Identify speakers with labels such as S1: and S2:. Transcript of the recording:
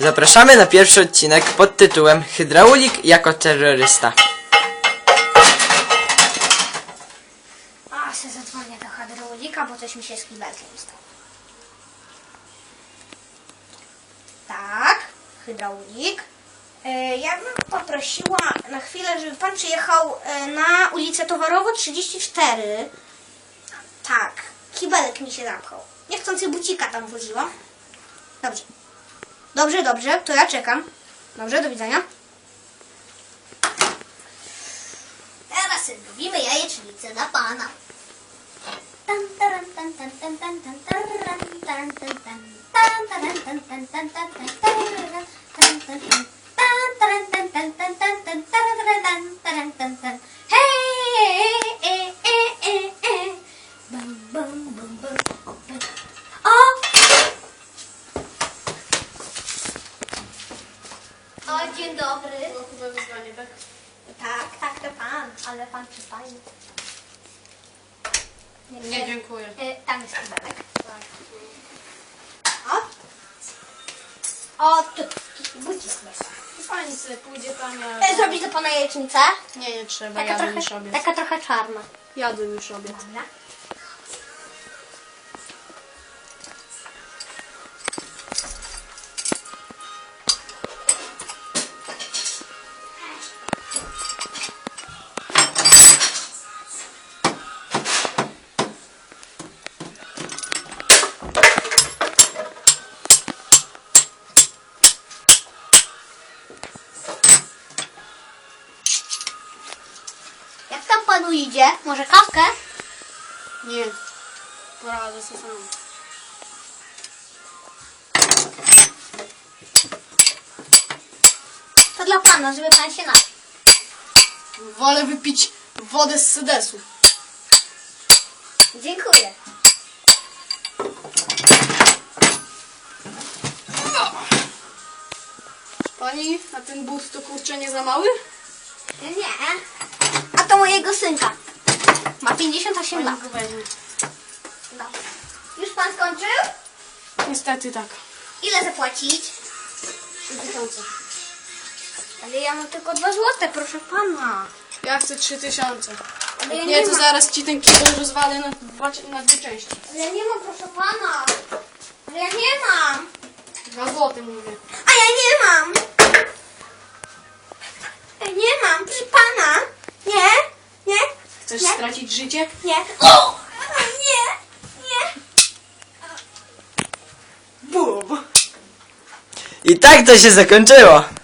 S1: Zapraszamy na pierwszy odcinek pod tytułem Hydraulik jako terrorysta.
S2: A, się zadzwonię do hydraulika, bo coś mi się z kibelkiem stało. Tak, hydraulik. Ja bym poprosiła na chwilę, żeby pan przyjechał na ulicę Towarową 34. Tak, kibelek mi się zamknął. Niechcący bucika tam włożyłam. Dobrze. Dobrze, to ja czekam. Dobrze, do widzenia. Teraz robimy jajecznicę dla pana. O, dzień dobry.
S3: Chyba wyzwanie, tak?
S2: Tak, to pan, ale pan przystajny.
S3: Nie, dziękuję.
S2: Tam jest kibelek.
S3: Tak.
S2: O, tu, bucik jest.
S3: Pani sobie pójdzie tam, ja...
S2: Zrobić dla pana jajecznicę?
S3: Nie trzeba, jadłem już obiad.
S2: Taka trochę czarna.
S3: Jadłem już obiad.
S2: Dobra. Jak tam panu idzie? Może kawkę?
S3: Nie. Poradzę sobie sam.
S2: To dla pana, żeby pan się napił.
S3: Wolę wypić wodę z sedesu.
S2: Dziękuję.
S3: Pani, a ten but to kurczę nie za mały?
S2: Nie. A to mojego synka. Ma 58 lat.
S3: Pani go weźmie.
S2: Dobra. Już pan skończył?
S3: Niestety tak.
S2: Ile zapłacić?
S3: 3000.
S2: Ale ja mam tylko 2 złote, proszę pana.
S3: Ja chcę 3000.
S2: Ale ja
S3: Nie, to
S2: mam.
S3: zaraz ci ten kibel rozwalę na dwie części.
S2: Ale ja nie mam, proszę pana. Ale ja nie mam.
S3: 2 złote mówię.
S2: A ja nie mam. Ja nie mam, proszę pana. Nie, nie,
S3: Chcesz
S2: Nie.
S3: stracić życie?
S2: nie. O! Nie, nie.
S3: Bum!
S1: I tak to się zakończyło.